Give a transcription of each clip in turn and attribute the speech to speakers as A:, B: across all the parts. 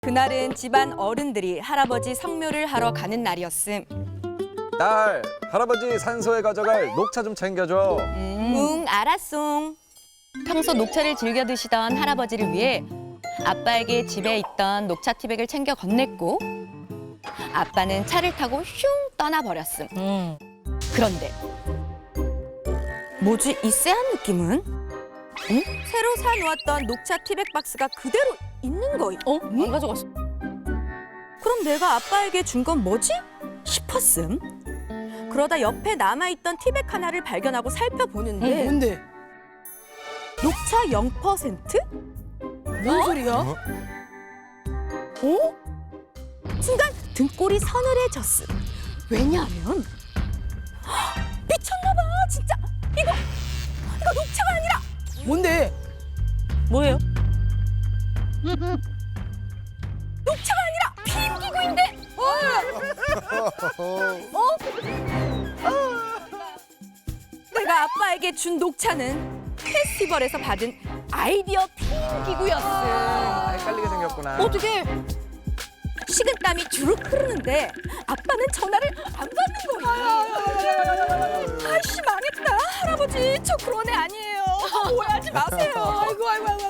A: 그날은 집안 어른들이 할아버지 성묘를 하러 가는 날이었음.
B: 딸, 할아버지 산소에 가져갈 녹차 좀 챙겨줘.
A: 응, 알았송. 평소 녹차를 즐겨 드시던 할아버지를 위해 아빠에게 집에 있던 녹차 티백을 챙겨 건넸고 아빠는 차를 타고 슝 떠나버렸음. 그런데 뭐지 이 쎄한 느낌은? 응? 새로 사놓았던 녹차 티백 박스가 그대로 있는 거임.
C: 안 가져갔어.
A: 그럼 내가 아빠에게 준 건 뭐지? 싶었음. 그러다 옆에 남아있던 티백 하나를 발견하고 살펴보는데
C: 뭔데?
A: 녹차 0%?
C: 뭔 소리야?
A: 어? 순간 등골이 서늘해졌음. 왜냐하면 헉, 미쳤나봐 진짜. 이거 녹차가 아니라
C: 뭔데? 뭐예요?
A: 녹차가 아니라 피임기구인데. 내가 아빠에게 준 녹차는 페스티벌에서 받은 아이디어 피임기구였음.
B: 헷갈리게 생겼구나.
C: 어떻게?
A: 식은땀이 주룩 흐르는데 아빠는 전화를 안 받는 거예요. 아이씨 망했다. 할아버지 저 그런 애 아니에요. 오해하지 마세요.
C: 아이고.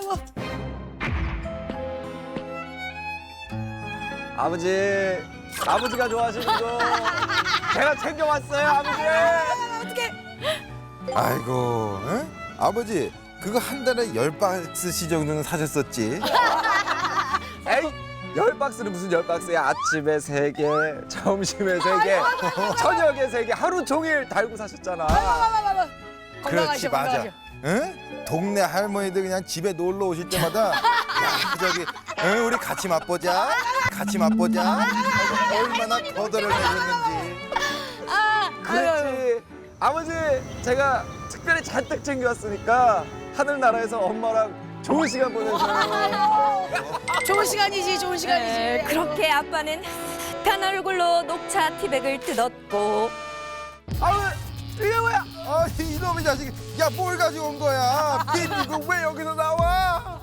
B: 아버지가 좋아하시는 거 제가 챙겨왔어요, 아버지.
A: 어떻게?
D: 아이고, 응? 아버지 그거 한 달에 10박스씩 정도는 사셨었지.
B: 에이, 10박스는 무슨 10박스야. 아침에 3개, 점심에 3개, 저녁에 3개, 하루 종일 달고 사셨잖아.
D: 그렇지, 맞아. 응? 동네 할머니들 그냥 집에 놀러 오실 때마다 야, 저기 응, 우리 같이 맛보자. 얼마나 거덜을 내셨는지.
B: 그렇지. 아버지, 제가 특별히 잔뜩 챙겨왔으니까 하늘나라에서 엄마랑 좋은 시간 보내세요.
C: 좋은 시간이지.
A: 네, 그렇게 아빠는 단 얼굴로 녹차 티백을 뜯었고
B: 아버지, 이게 뭐야?
D: 아, 이놈의 자식, 야 뭘 가지고 온 거야? 빈 이거 왜 여기서 나와?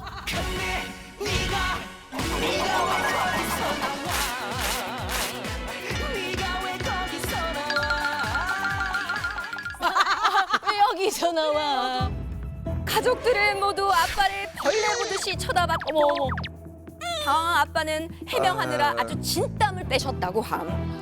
C: 왜 여기서 나와?
A: 가족들은 모두 아빠를 벌레 보듯이 쳐다봤고 당황한 아빠는 해명하느라 아주 진땀을 빼셨다고 함.